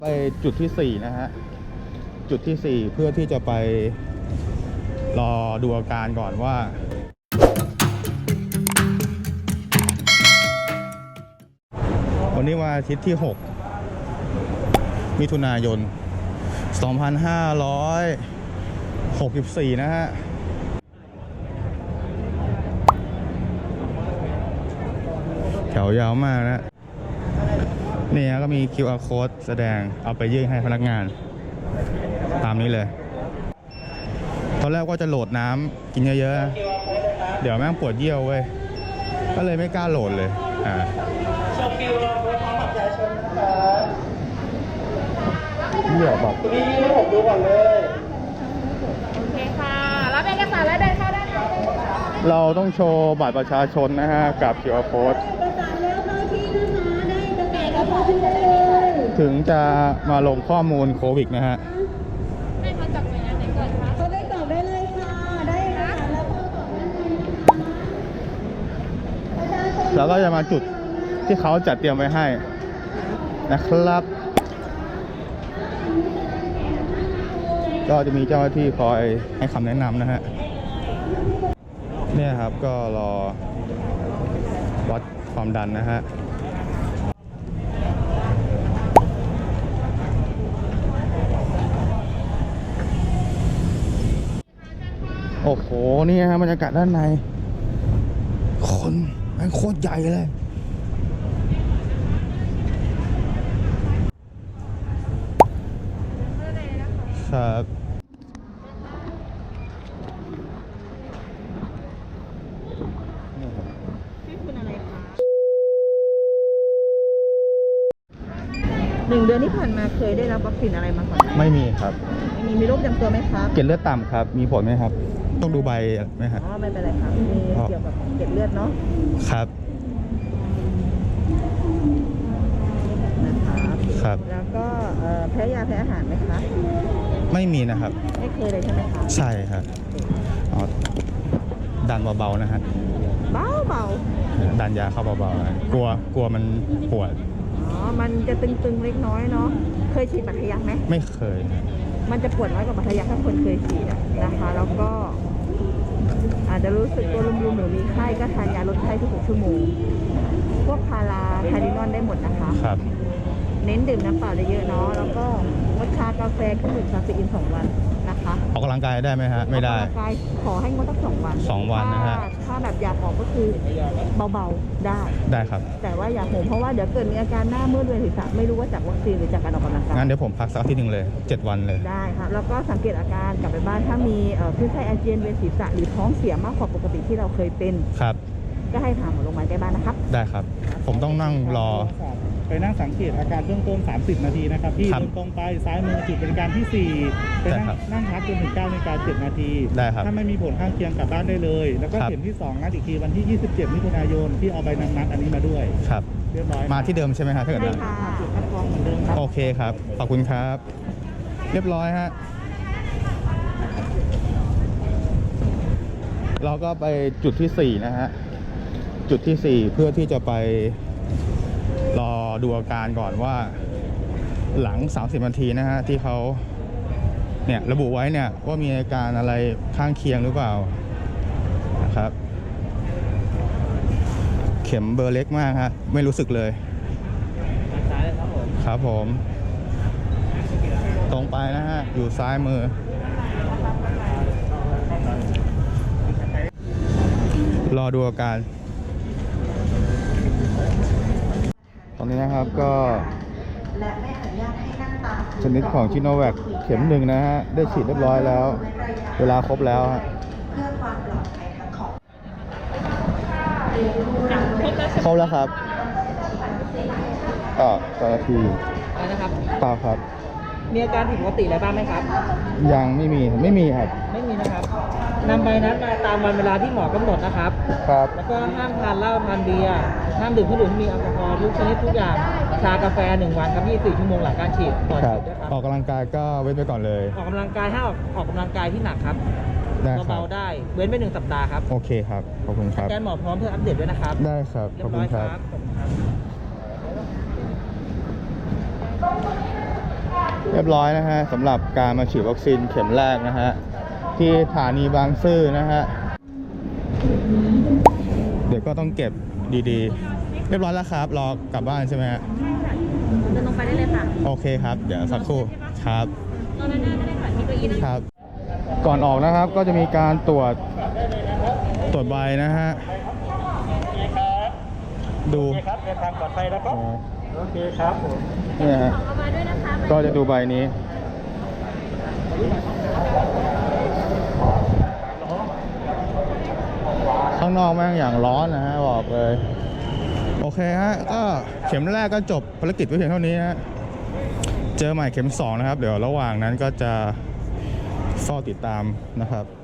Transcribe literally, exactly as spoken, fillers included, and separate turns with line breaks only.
ไปจุดที่สี่นะฮะจุดที่สี่เพื่อที่จะไปรอดูอาการก่อนว่าวันนี้วันอาทิตย์ที่หกมิถุนายนสองพันห้าร้อยหกสิบสี่นะฮะแถวยาวมากนะนี่ก็มี คิว อาร์ Code แสดงเอาไปยื่นให้พนักงานตามนี้เลยตอนแรกว่าจะโหลดน้ำกินเยอะๆเดี๋ยวแม่งปวดเยี่ยวเว้ยก็เลยไม่กล้าโหลดเลยอ่าเยี่ยวแบบนี่ให้ผมดูก่อนเลย
โอเคค่ะรับเอกสารแล้วเดินเข้าได้เลย
เราต้องโชว์บัตรประชาชนนะฮะกับ คิว อาร์ Code ถึงจะมาลงข้อมูลโควิดนะฮะ
ให้เขาจับหน่วยงานไหนก่อนคะ
เขาได้ตอบได้เลยค่ะได้ค่ะ
แล้วก็จะมาจุดที่เขาจัดเตรียมไว้ให้นะครับก็จะมีเจ้าหน้าที่คอยให้คำแนะนำนะฮะเนี่ยครับก็รอวัดความดันนะฮะโอ้โหนี่ฮะบรรยากาศด้านในคนมันโคตรใหญ่เลยครับ
ชื่อคุณอะไรคะหนึ่งเดือนที่ผ่านมาเคยได้รับวัคซีนอะไรมาก่อนไหม
ไม่มีครับ
ไม่มีมีโรคประจำตัวไหมครับ
เกล็ดเลือดต่ำครับมีผลไหมครับต้องดูใบไหมครับ
อ๋อไม่เป็นไรครับมีเกี่ยวกับเกล็ดเลือดเนาะ
ครับ
นะครับ
ครับ
แล้วก็แพ้ยาแพ้อาหารไหมคะ
ไม่มีนะครับ
ไม่เคยเลยใช่ไหมคะ
ใช่ครับอ๋อดันเบาๆนะฮะ
เบาเบา
ดันยาเข้าเบาๆกลัวกลัวมันปวด
อ๋อมันจะตึงๆเล็กน้อยเนาะเคยฉีดบัตรทะยักไหม
ไม่เคย
มันจะปวดน้อยกว่าบัตรทะยักถ้าคนเคยฉีดนะคะแล้วก็อาจจะรู้สึกตัวรุมๆหรือมีไข้ก็ทานยาลดไข้ทุกหกชั่วโมงพวกพาราไทลินอนได้หมดนะคะ
ครับ
เน้นดื่มน้ำเปล่าเยอะๆเนาะแล้วก็งดชากาแฟเครื่องดื่มคาเฟอีนสองวันนะคะ
ออกกำลังกายได้ไหมฮะไม่ได้
ออกกำลังกายขอให้งดสักสองวัน
สองวันนะฮะ
ถ้าแบบอยากออกก็คือเบาๆได้
ได้ครับ
แต่ว่าอย่าโหมเพราะว่าเดี๋ยวเกิดมีอาการหน้ามืดเวียนศีรษะไม่รู้ว่าจากวัคซีนหรือจากการออกกำลังกาย
งั้นเดี๋ยวผมพักสักอาทิตย์หนึ่งเลยเจ็ดวันเลย
ได้ครับแล้วก็สังเกตอาการกลับไปบ้านถ้ามีคลื่นไส้อาเจียนเวียนศีรษะหรือท้องเสียมากกว่าปกติที่เราเคยเป็น
ครับ
ก็ให้พาหมอโรงพยาบาลใกล้บ้านนะครับ
ได้ครับผมต้องนั่งรอ
ไปนั่งสังเกตอาการเบื้องต้นสามสิบนาทีนะครับพี่เดินตรงไปซ้ายมือจุดบริการที่สี่ไปนั่งนั่งพักจนถึงเก้านาฬิกาเจ็ดนาที
ได้ครับ
ถ้าไม่มีผลข้างเคียงกลับบ้านได้เลยแล้วก็เข็มที่สองนัดอีกทีวันที่ยี่สิบเจ็ดมิถุนายนที่เอาใบนัดนัดอันนี้มาด้วย
ครับ
เรียบร้อย
มาที่เดิมใช่ไหมครับถ้าเกิด
ใช่ค่ะจุดคัดกรองเหมือนเดิมครับ
โอเคครับขอบคุณครับเรียบร้อยฮะเราก็ไปจุดที่สี่นะฮะจุดที่สี่เพื่อที่จะไปรอดูอาการก่อนว่าหลังสามสิบนาทีนะฮะที่เขาเนี่ยระบุไว้เนี่ยว่ามีอาการอะไรข้างเคียงหรือเปล่านะครับเข็มเบอร์เล็กมากฮะไม่รู้สึกเลยครับผมตรงไปนะฮะอยู่ซ้ายมือรอดูอาการตอนนี้นะครับก็ชนิดของชิโนแวคเข็มหนึ่งนะฮะได้ฉีดเรียบร้อยแล้วเวลาครบแล้วฮะครบแล้วครับก็ต่อนาที
นะครับ
เปล่าครับ
มีอาการผิดปกติอะไรบ้างไหมครับ
ยังไม่มีไม่มีครับ
ไม่มีนะครับนำใบนัดมาตามวันเวลาที่หมอกำหนดนะครับ
ครับ
แล้วก็ห้ามทานเหล้าทานเบียร์ห้ามดื่มเครื่องดื่มที่มีแอลกอฮอล์ทุกชนิดทุกอย่างชากาแฟหนึ่งวันครับยี่สิบสี่ชั่วโมงหลังการฉีดก่อนฉีดด้วยครับ
ออกกำลังกายก็เว้นไปก่อนเลย
ออกกำลังกายให้ออกออกกำลังกายที่หนักครับเบาๆได้เว้นไปหนึ่งสัปดาห์ครับ
โอเคครับขอบคุณครับ
แกนหมอพร้อมเพื่ออัปเดตด้วยนะครับ
ได้ครับขอบคุณครับเรียบร้อยนะฮะสำหรับการมาฉีดวัคซีนเข็มแรกนะฮะที่สถานีบางซื่อนะฮะเดี๋ยวก็ต้องเก็บดีๆ เรียบร้อยแล้วครับรอกลับบ้านใช่ไหมฮะ
เดินลงไปได้เลยค่ะ
โอเคครับ เดี๋ยวสักครู่ครับ
ตอนนั้นไม่ได้ค่ะที่เก้าอี้นั่ง
ครับ ก่อนออกนะครับก็จะมีการตรวจตรวจใบนะฮะดู
โอเคครับเดินทางปลอดภัยนะครับ โอเคครับผม
เนี่ยฮะ
เอามาด้วยนะคะ
ก็จะดูใบนี้ ข้างนอกแม่งอย่างร้อนนะฮะบอกเลย โอเคฮะก็เข็มแรกก็จบภารกิจไว้เพียงเท่านี้ฮะเจอใหม่เข็มสองนะครับ เดี๋ยวระหว่างนั้นก็จะเฝ้าติดตามนะครับ